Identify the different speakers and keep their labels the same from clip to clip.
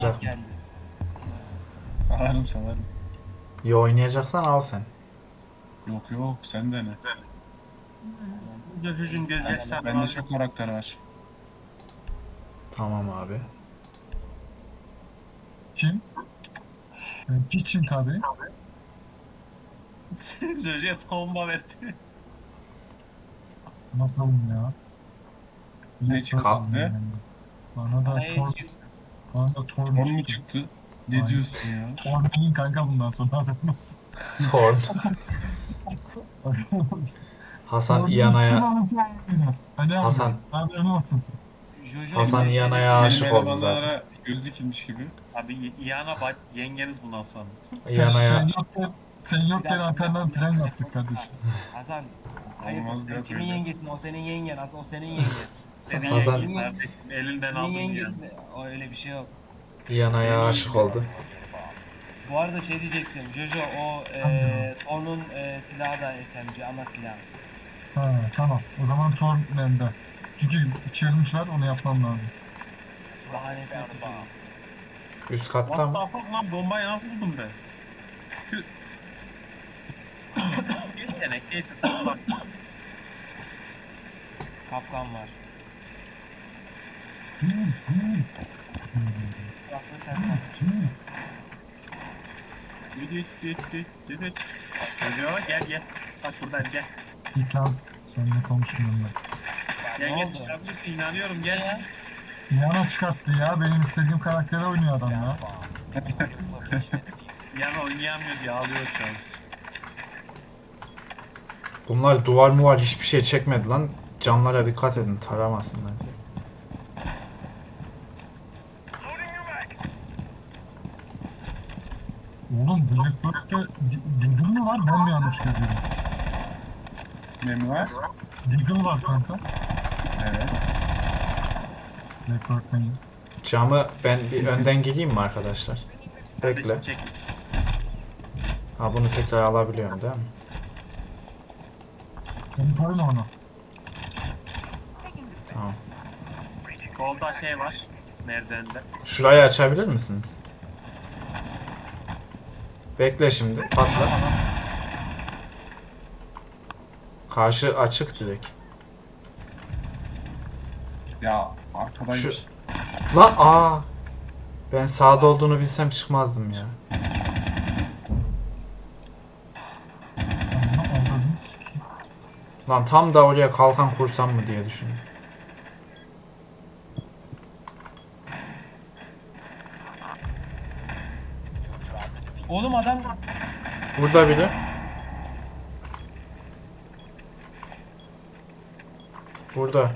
Speaker 1: geldi.
Speaker 2: Salarım.
Speaker 3: İyi oynayacaksan al sen.
Speaker 2: Yok sen de ne?
Speaker 1: Gözücün gözyaşlarını
Speaker 2: Bende çok karakter var.
Speaker 3: Tamam abi.
Speaker 4: Kim? Piçin tabii.
Speaker 1: Jojo'ya savunma verdi.
Speaker 4: Bakalım ya.
Speaker 2: Ne çıktı size?
Speaker 4: Bana da Thor, bana da Thor
Speaker 2: Thor mu
Speaker 4: çıktı.
Speaker 2: çıktı? Ne
Speaker 4: Aynen.
Speaker 2: diyorsun ya?
Speaker 4: Thor değil kanka bundan sonra haberin olsun.
Speaker 3: Thorn. Hasan İyana'ya Hasan-
Speaker 4: Haberin olsun.
Speaker 1: Jojo
Speaker 3: Hasan
Speaker 1: şey
Speaker 3: İyana'ya
Speaker 1: dedi,
Speaker 3: aşık oldu zaten.
Speaker 2: elemanlara göz dikilmiş gibi.
Speaker 1: Abi İyana bak yengeniz bundan sonra.
Speaker 3: İyana'ya
Speaker 4: Sen yokken arkandan plan yaptık kardeşim.
Speaker 5: Hasan, hayır
Speaker 2: Olmaz
Speaker 5: sen
Speaker 2: ya
Speaker 5: kimin
Speaker 2: böyle.
Speaker 5: yengesin? O senin yengen. Hasan o senin yengen.
Speaker 1: Senin
Speaker 3: Hasan-
Speaker 1: yengen kardeşim elinden
Speaker 5: Senin
Speaker 1: aldım ya.
Speaker 5: yengesi. O öyle bir şey yok.
Speaker 3: İyana'ya aşık oldu.
Speaker 5: Bu arada şey diyecektim. Jojo o Thor'un silahı da SMG ana silahı.
Speaker 4: Ha, tamam. O zaman Thor bende. Çünkü challenge var onu yapmam lazım.
Speaker 5: Bahanesini tutuyor.
Speaker 3: Üst katta
Speaker 1: What
Speaker 3: mı?
Speaker 1: the fuck lan bombayı nasıl buldum ben? Şu... Yetenek neyse salak.
Speaker 5: Kapkan var. Kulaklığı ters takmış.
Speaker 1: Düdüt. Jojo gel. Bak buradan gel.
Speaker 4: Git lan. Seninle konuşmuyorum ben.
Speaker 5: Ne
Speaker 1: Gel
Speaker 5: oldu?
Speaker 1: çıkabilirsin inanıyorum gel.
Speaker 5: Ya.
Speaker 4: Yana çıkarttı ya. Benim istediğim karakteri oynuyor adam ya.
Speaker 1: Yana oynayamıyor diye ağlıyor şu an.
Speaker 3: Bunlar duvar muvar hiçbir şey çekmedi lan. Camlara dikkat edin taramasınlar diye.
Speaker 4: Oğlum Blackbird'de Deagle mı var? Ben mi yanlış görüyorum?
Speaker 2: Ne mi var?
Speaker 4: Deagle var kanka.
Speaker 2: Evet.
Speaker 4: Blackbird'den.
Speaker 3: Camı ben bir önden gireyim mi arkadaşlar? Bekle.
Speaker 1: Kardeşim çek.
Speaker 3: Ha bunu tekrar alabiliyorum değil mi?
Speaker 4: Onu koyma ona.
Speaker 3: Tamam.
Speaker 1: Solda şey var. Merdivende.
Speaker 3: Şurayı açabilir misiniz? Bekle şimdi. Patla. Karşı açık direkt.
Speaker 2: Ya arkadaymış.
Speaker 3: Şu- Lan ben sağda olduğunu bilsem çıkmazdım ya.
Speaker 4: Amma aldırdın.
Speaker 3: Lan tam da oraya kalkan kursam mı diye düşündüm.
Speaker 5: Oğlum adam
Speaker 3: Burada biri. Burada.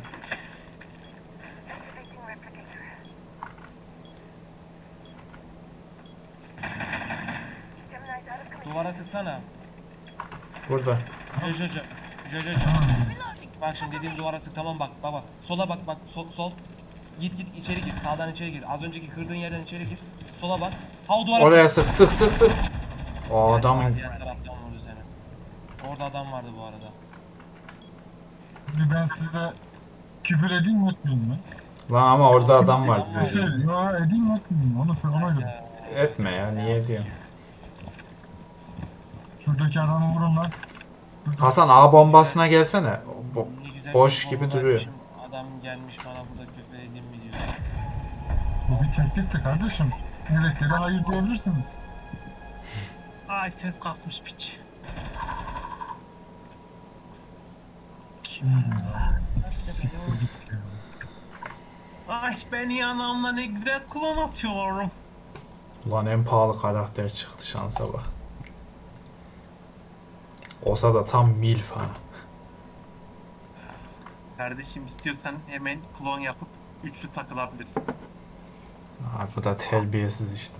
Speaker 5: duvara sıksana.
Speaker 3: Burada.
Speaker 5: Jojo. Bak şimdi dediğim duvara sık, tamam, bak bak. Sola bak sol. Git içeri gir. Sağdan içeri gir. Az önceki kırdığın yerden içeri gir. Sola bak. Ha o duvara
Speaker 3: Oraya sık. O adamın
Speaker 5: Diğer taraftan vurdu seni. Orada adam vardı bu arada.
Speaker 4: Şimdi ben size küfür edeyim mi etmeyeyim mi?
Speaker 3: lan ama orada adam var.
Speaker 4: Şey, ya edeyim mi etmeyeyim mi? Ona göre.
Speaker 3: Etme ya niye diyorsun?
Speaker 4: Şuradaki adamı vurun lan.
Speaker 3: Hasan A bombasına gelsene.
Speaker 5: Ne güzel
Speaker 3: Boş
Speaker 5: bir
Speaker 3: gibi
Speaker 5: bomba
Speaker 3: duruyor.
Speaker 5: atmışım. Adam gelmiş bana burada küfür edeyim mi diyor.
Speaker 4: Bu bir teklifti kardeşim. Evet ya da hayır diyebilirsiniz.
Speaker 1: Ay ses kasmış piç.
Speaker 4: Kim ya? Siktir git ya.
Speaker 1: Ay ben yanağımla ne güzel klon atıyorum.
Speaker 3: Ulan en pahalı karakter çıktı şansa bak. Olsa da tam milf ha.
Speaker 1: Kardeşim istiyorsan hemen klon yapıp üçlü takılabiliriz.
Speaker 3: Abi bu da terbiyesiz işte.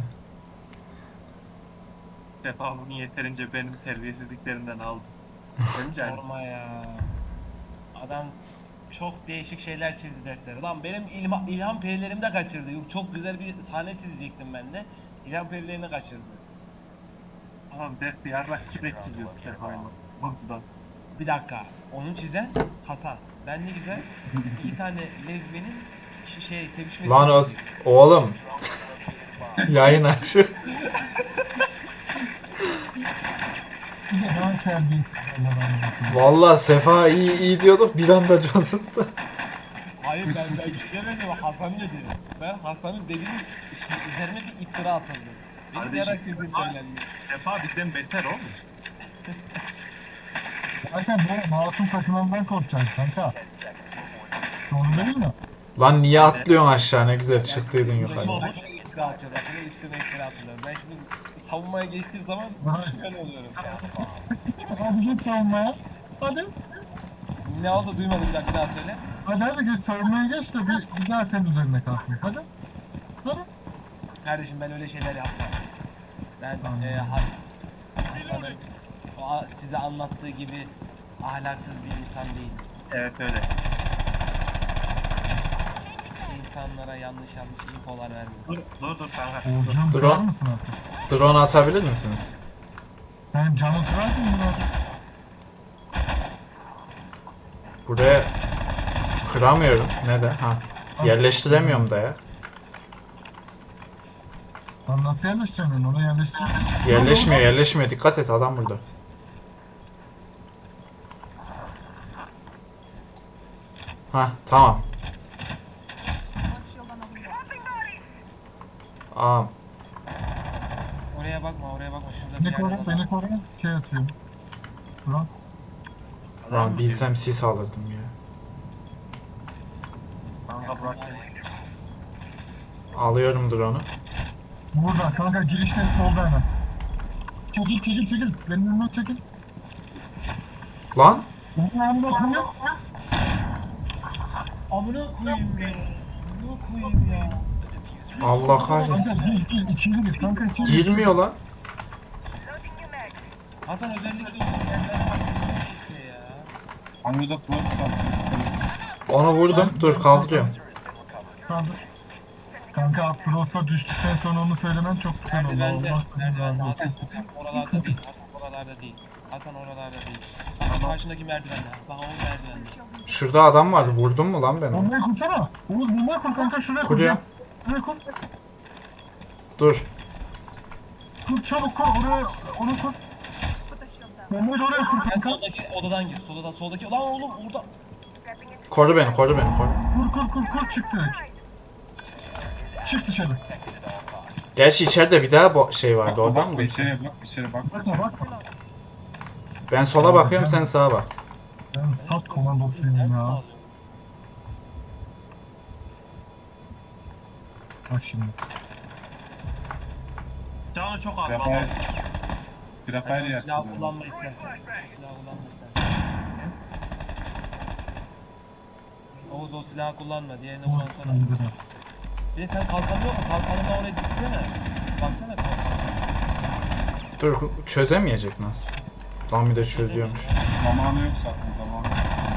Speaker 1: Defa bunu yeterince benim terbiyesizliklerimden aldı. Önce
Speaker 5: Sorma ya. Adam çok değişik şeyler çizdi defteri. Lan benim ilham perilerimi de kaçırdı. Çok güzel bir sahne çizecektim ben de. İlham perilerini kaçırdı.
Speaker 1: tamam dert yarrak kürek çiziyorsun Sefa'yla. Buntudan.
Speaker 5: Bir dakika. Onu çizen Hasan. Ben ne güzel iki tane lezbiyenin sevişmesi.
Speaker 3: Lan oğlum Yayın açık.
Speaker 4: Bir de daha terbiyesiz Allah'ım.
Speaker 3: Vallahi Sefa iyi diyorduk bir anda cosundu.
Speaker 5: Hayır ben bir şey demedim. Hasan dedi. Ben Hasan'ın dediğini üzerine bir iftira atıldı. Beni
Speaker 1: Kardeşim,
Speaker 5: yarak sizin söylendi.
Speaker 1: Sefa bizden beter oğlum.
Speaker 4: Zaten böyle masum takılandan korkacaksın kanka. Doğru değil mi?
Speaker 3: Lan niye atlıyorsun aşağı ne güzel çıktıydın yukarı.
Speaker 5: İftira atıyor. Bakın üstüne iftira atılıyor. Ben şimdi savunmaya geçtiğim zaman şüphen oluyorum.
Speaker 4: Hadi git savunmaya. Hadi.
Speaker 5: Ne oldu duymadım bir daha söyle.
Speaker 4: Hadi git savunmaya geç de bir daha senin üzerine kalsın. Hadi. Hadi.
Speaker 5: Kardeşim ben öyle şeyler yapmam. Ben
Speaker 4: Tamam.
Speaker 5: Hasan'ın size anlattığı gibi ahlaksız bir insan değilim.
Speaker 1: Evet öyle.
Speaker 5: İnsanlara yanlış infolar vermiyorum.
Speaker 1: Dur kanka.
Speaker 4: Oğuzcuğum
Speaker 3: Dur
Speaker 4: kırar
Speaker 3: o.
Speaker 4: mısın artık?
Speaker 3: Drone atabilir misiniz?
Speaker 4: Sen canı kırarsın bunu.
Speaker 3: Buraya kıramıyorum. Neden? Ha. Yerleştiremiyorum da ya.
Speaker 4: Lan nasıl yerleştiremiyorsun? Onu yerleştir.
Speaker 3: Yerleşmiyor. Dikkat et adam burada. Ha tamam. Aa,
Speaker 5: Oraya bakma. Şurada
Speaker 4: Beni
Speaker 5: bir
Speaker 4: koru,
Speaker 5: yerde
Speaker 4: beni koru. Şey atıyorum. Ulan.
Speaker 3: lan bilsem sis alırdım ya.
Speaker 1: Kanka bırak beni.
Speaker 3: Alıyorum drone'u.
Speaker 4: Burada kanka girişten solda hemen. Çekil. Benim önümden çekil.
Speaker 3: Lan
Speaker 4: Benim önümden koyuyor.
Speaker 5: Amına koyayım ya. Amına koyayım ya.
Speaker 3: Allah kahretsin.
Speaker 4: Kanka gir içeri gir kanka içeri gir.
Speaker 3: Girmiyor lan.
Speaker 5: Hasan özellikle bu yerden bakmışsın ya.
Speaker 2: Banyoda Frost var.
Speaker 3: Onu vurdum. Dur kaldırıyorum.
Speaker 4: Kaldır. Kanka Frost'a düştükten sonra onu söylemem çok güzel oldu.
Speaker 5: Merdivende.
Speaker 4: Allah seni razı olsun.
Speaker 5: Hasan oralarda değil. Hasan oralarda değil. Hasan karşındaki merdivende. Bak o merdivende.
Speaker 3: Şurada adam vardı. Vurdun mu lan ben onu?
Speaker 4: Bombayı kursana. Oğuz bombayı kur kanka şuraya kur.
Speaker 3: Kuruyorum.
Speaker 4: Şuraya kur.
Speaker 3: Dur.
Speaker 4: Kur çabuk kur oraya onu kur. Bombayı da oraya kur
Speaker 5: Sen
Speaker 4: kanka.
Speaker 5: soldaki odadan gir. Soldaki. Lan oğlum orada.
Speaker 3: Koru beni. Koru.
Speaker 4: Kur çık direkt. Çık dışarı.
Speaker 3: Gerçi içeride bir daha şey vardı. Oradan mı?
Speaker 2: Bak içeri bak.
Speaker 4: Bakma.
Speaker 3: Ben sola bakıyorum sen sağa bak.
Speaker 4: Ben sat komandosuyum ya. Bak şimdi.
Speaker 1: Canı çok az
Speaker 2: Rafael.
Speaker 1: bak.
Speaker 2: Rafael
Speaker 5: Silah
Speaker 2: yersin.
Speaker 5: kullanma istersen. Oğuz o silahı kullanma. Diğerini kullansana. Bir de sen kalkanıyor mu? Kalkanına oraya gitsene. Baksana kalkanına.
Speaker 3: Dur çözemeyecek nasıl? Lan bir de çözüyormuş.
Speaker 2: Zamanı yok zaten zamanı.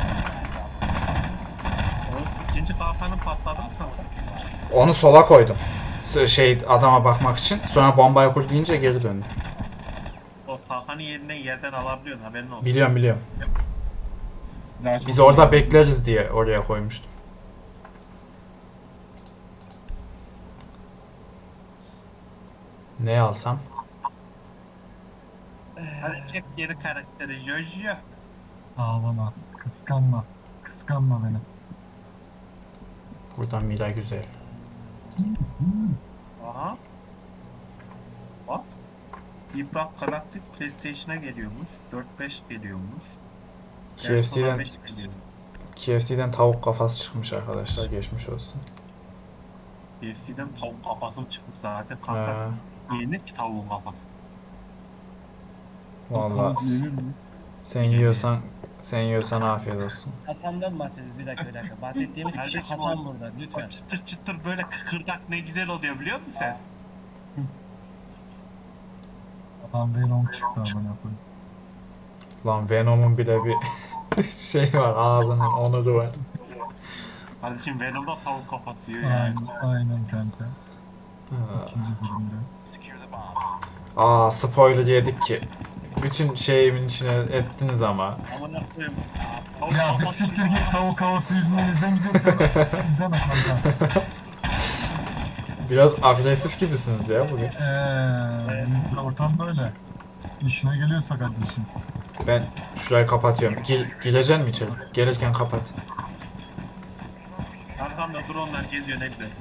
Speaker 1: Oğuz ikinci kalkanın patladı mı kanka?
Speaker 3: Onu sola koydum. Şey adama bakmak için. Sonra bombayı kur deyince geri döndüm.
Speaker 1: O kalkanın yerinden yerden alabiliyorsun haberin olsun.
Speaker 3: Biliyorum.
Speaker 2: Daha çok
Speaker 3: Biz orada bekleriz diye oraya koymuştum. Ne alsam?
Speaker 1: Hadi çek geri karakteri Jojo.
Speaker 4: Ağlama. Kıskanma beni.
Speaker 3: Buradan Mira güzel.
Speaker 1: Aha. What? Yıprak Galactic PlayStation'a geliyormuş. 4-5 geliyormuş.
Speaker 3: KFC'den
Speaker 1: beş geliyor.
Speaker 3: KFC'den tavuk kafası çıkmış arkadaşlar. Geçmiş olsun.
Speaker 1: KFC'den tavuk kafası mı çıkmış zaten kanka.
Speaker 3: Ha,
Speaker 1: Yenir ki tavuğun kafası.
Speaker 3: vallahi
Speaker 2: yenir mi?
Speaker 3: sen yiyorsan afiyet olsun.
Speaker 5: Hasan'dan bahsediyoruz bir dakika. Bahsettiğimiz kişi
Speaker 1: Kardeşim,
Speaker 5: Hasan burada
Speaker 1: O
Speaker 5: lütfen.
Speaker 1: çıtır çıtır böyle kıkırdak ne güzel oluyor biliyor musun sen?
Speaker 4: Adam Venom çıktı amına koyayım.
Speaker 3: Lan Venom'un bile bir şey var ağzının onuru var.
Speaker 1: Kardeşim Venom'da tavuk kafası yiyor yani.
Speaker 4: Aynen kanka.
Speaker 3: Ha.
Speaker 4: İkinci bölümde.
Speaker 3: Aa spoiler yedik ki. Bütün şeyimin içine ettiniz ama.
Speaker 1: Amına koyayım. Tavuk
Speaker 4: Ya bir
Speaker 1: kafası
Speaker 4: siktir git tavuk havası yüzünden izlemeyeceksen izleme kanka.
Speaker 3: Biraz agresif gibisiniz ya bugün.
Speaker 4: Bizde ortam böyle. İşine geliyorsa kardeşim.
Speaker 3: Ben şurayı kapatıyorum. Gireceksin mi içeri? Gelirken kapat.
Speaker 1: Arkamda dronlar geziyor ne güzel.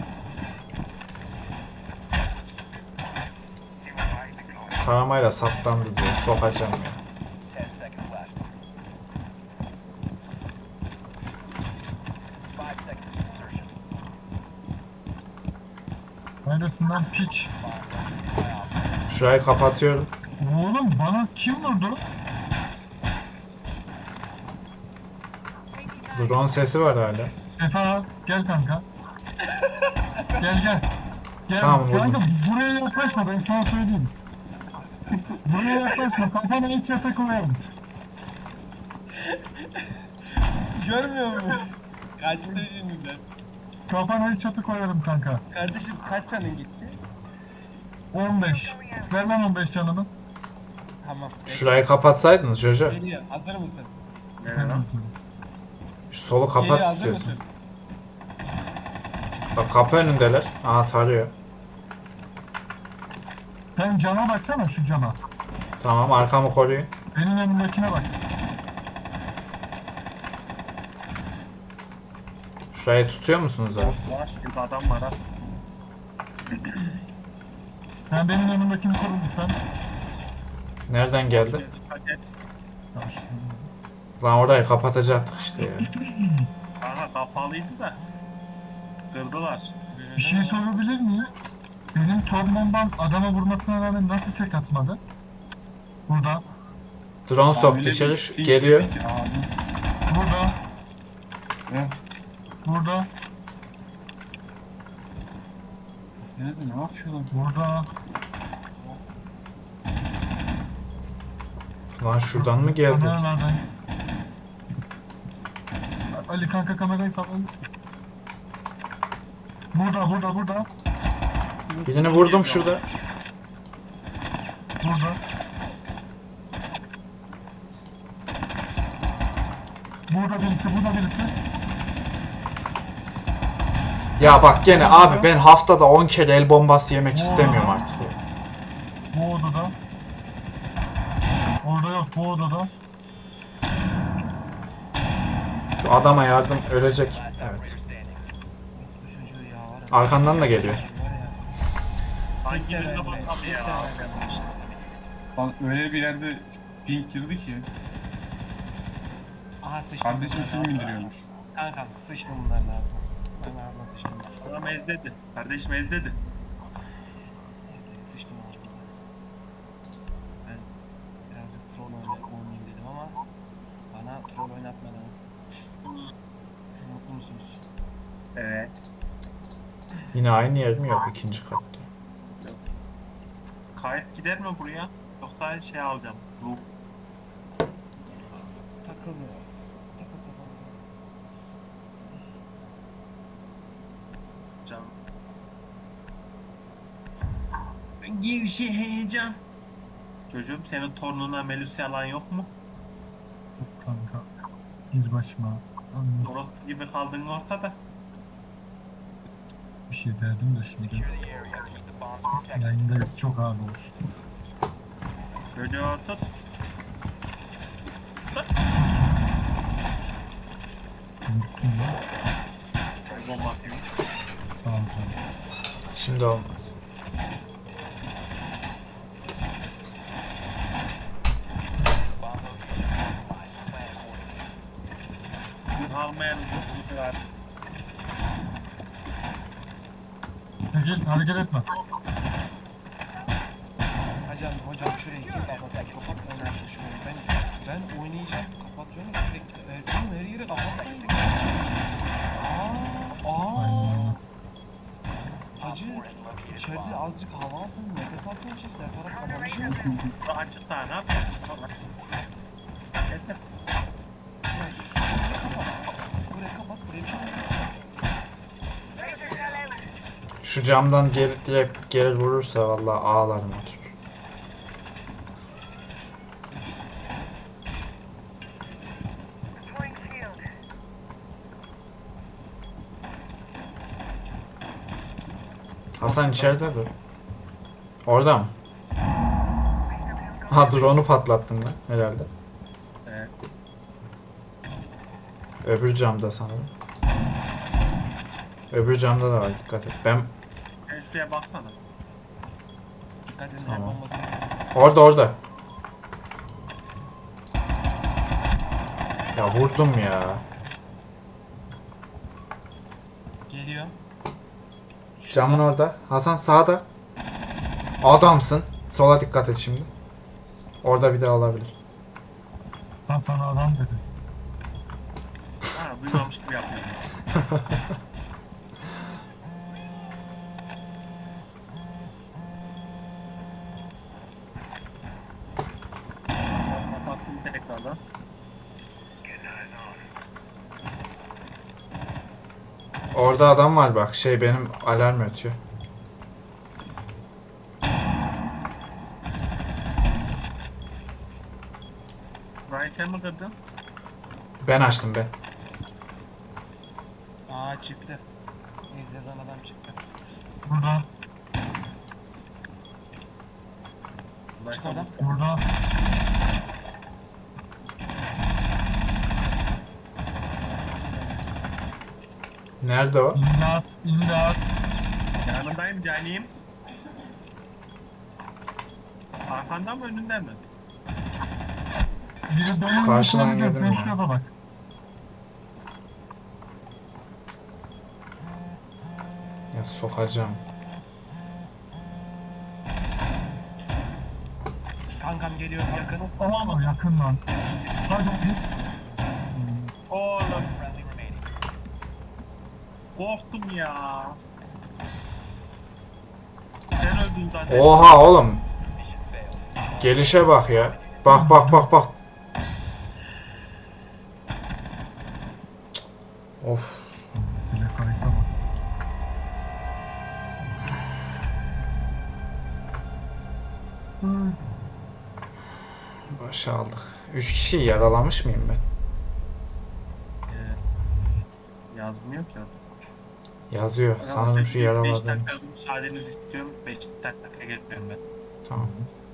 Speaker 3: Taramayla saptandı diyor. Sokacağım ya.
Speaker 4: Neredesin lan piç?
Speaker 3: Şurayı kapatıyorum.
Speaker 4: Oğlum bana kim vurdu?
Speaker 3: Drone sesi var hala.
Speaker 4: Efe gel kanka. Gel. Gel
Speaker 3: Tamam,
Speaker 4: kanka
Speaker 3: vurdum.
Speaker 4: buraya yaklaşma ben sana söyleyeyim. Buraya yaklaşma kafana hiç yata koyarım.
Speaker 5: Görmüyor musun? Kaçtı şimdiden.
Speaker 4: Kafana hiç yata koyarım kanka.
Speaker 5: Kardeşim kaç canın gitti?
Speaker 4: 15. Ver lan 15 canını.
Speaker 5: Tamam.
Speaker 3: Şurayı kapatsaydınız Jojo.
Speaker 5: Geliyor. Hazır mısın?
Speaker 1: Nereye lan?
Speaker 3: Şu solu
Speaker 5: Geliyor,
Speaker 3: kapat
Speaker 5: hazır
Speaker 3: istiyorsan.
Speaker 5: mısın?
Speaker 3: Bak kapı önündeler. Aha tarıyor.
Speaker 4: Sen cama baksana şu cama.
Speaker 3: Tamam arkamı koruyun.
Speaker 4: Benim önümdekine bak.
Speaker 3: Şurayı tutuyor musunuz abi?
Speaker 1: Var şurada adam var ha.
Speaker 4: Sen benim önümdekini koru lütfen.
Speaker 3: Nereden geldi?
Speaker 1: Dikkat et.
Speaker 3: Lan orayı kapatacaktık işte ya.
Speaker 1: Aha kapalıydı da. Kırdılar.
Speaker 4: Bir şey sorabilir miyim? Benim tornondan adama vurmasına rağmen nasıl tek atmadı? Burada,
Speaker 3: Drone soktu
Speaker 2: Öyle
Speaker 3: içeri.
Speaker 2: bir
Speaker 3: Şu-
Speaker 2: ping
Speaker 3: Geliyor.
Speaker 2: dedi ki, abi.
Speaker 4: burada,
Speaker 2: Ne?
Speaker 4: burada,
Speaker 2: Nerede ne yapıyorlar?
Speaker 4: burada.
Speaker 3: Lan şuradan mı geldi?
Speaker 4: Kameralardan. Ali kanka kamerayı sal. Ali. Burada.
Speaker 3: Birini vurdum şurada.
Speaker 4: Burada. Burada birisi.
Speaker 3: Ya bak gene abi ben haftada 10 kere el bombası yemek istemiyorum artık.
Speaker 4: Bu odada. Orada yok, bu odada.
Speaker 3: Şu adama yardım ölecek. Evet.
Speaker 5: Bu çocuğu ya var ya.
Speaker 3: Arkandan da geliyor.
Speaker 1: Hangi birine bakalım ya.
Speaker 2: Lan öyle bir yerde ping girdi ki.
Speaker 5: Aha sıçtım.
Speaker 2: Kardeşim film indiriyormuş.
Speaker 5: Kankam sıçtım bunlar lazım. Ben ağzına sıçtım.
Speaker 1: Adam ezledi. Kardeşim ezledi.
Speaker 5: Sıçtım ağzına. Ben birazcık troll oynayayım dedim ama bana troll oynatmadınız. Mutlu musunuz?
Speaker 1: Evet.
Speaker 3: Yine aynı yer mi? Yok ikinci katta.
Speaker 1: Kayıt gider mi buraya? Yoksa şey alacağım. Loop.
Speaker 5: Takılmıyor.
Speaker 1: Canım. Gir şey heyecan. Çocuğum senin torununa Melusi alan yok mu?
Speaker 4: Yok kanka. Bir başıma. Yalnız
Speaker 1: Orospu gibi kaldın ortada.
Speaker 4: bir şey derdim de şimdi. Yayındayız, çok ağır olur.
Speaker 1: Çocuğu tut.
Speaker 4: Unuttum ya.
Speaker 1: Bombasını.
Speaker 4: Sağ ol canım.
Speaker 3: Şimdi olmaz.
Speaker 1: Almayan uzun var.
Speaker 4: Çekil, hareket etme.
Speaker 5: Hocam şurayı kim kapatacak? Kapat oynarsın şurayı. Ben oynayacağım. Kapatıyorum. Oğlum her yeri kapatmayın.
Speaker 4: Aynen.
Speaker 5: Hacı içeride azıcık hava alsın, nefes alsın içeride. Her taraf kapamış ya.
Speaker 1: Açık daha ne yapacaksın? Yeter.
Speaker 5: Ya şurayı kapat. Buraya kapat. Buraya bir şey yok.
Speaker 3: Şu camdan direkt geri vurursa vallahi ağlarım otur. Hasan içeride dur. Orada mı? Ha drone'u patlattın lan herhalde.
Speaker 1: Evet.
Speaker 3: Öbür camda sanırım. Öbür camda da var, dikkat et. Ben
Speaker 1: Sen şuraya baksana.
Speaker 5: Dikkat edin
Speaker 3: Tamam.
Speaker 5: el bombası.
Speaker 3: orada. Ya vurdum ya.
Speaker 5: Geliyor.
Speaker 3: Camın orada. Hasan sağda. Adamsın. Sola dikkat et şimdi. Orada bir daha olabilir.
Speaker 4: Sen sana adam dedi.
Speaker 1: Ha, duymamış gibi yapıyorum. Kapattım tekrardan.
Speaker 3: Orada adam var bak. Şey benim alarm ötüyor.
Speaker 1: Burayı sen mi kırdın?
Speaker 3: Ben açtım ben.
Speaker 5: Aa çıktı. İzleden adam çıktı.
Speaker 4: Burada,
Speaker 1: Burayı
Speaker 5: Çık
Speaker 1: sen
Speaker 5: oradan.
Speaker 4: burada.
Speaker 3: Nerede o?
Speaker 4: İmdat, imdat.
Speaker 1: yanındayım caniyim. Arkandan mı önünden mi?
Speaker 4: Biri benim
Speaker 3: Karşıdan
Speaker 4: yüzüme
Speaker 3: yedim
Speaker 4: gidiyor.
Speaker 3: ya.
Speaker 4: Sen şuraya bak.
Speaker 3: Ya sokacağım.
Speaker 5: Kankam geliyor yakın.
Speaker 4: Aman yakın lan. Hadi git.
Speaker 1: Oğlum. Korktum ya. Sen öldün zaten.
Speaker 3: Oha oğlum. Gelişe bak ya. Bak bak bak bak. Of.
Speaker 4: Bile kaysa bak.
Speaker 3: Başa aldık. 3 kişiyi yaralamış mıyım ben?
Speaker 1: Yazmıyor ki.
Speaker 3: Yazıyor. Sanırım şu
Speaker 1: 5
Speaker 3: yaraladım.
Speaker 1: dakika müsaadenizi istiyorum. 5 dakika geliyorum ben.
Speaker 3: Tamam.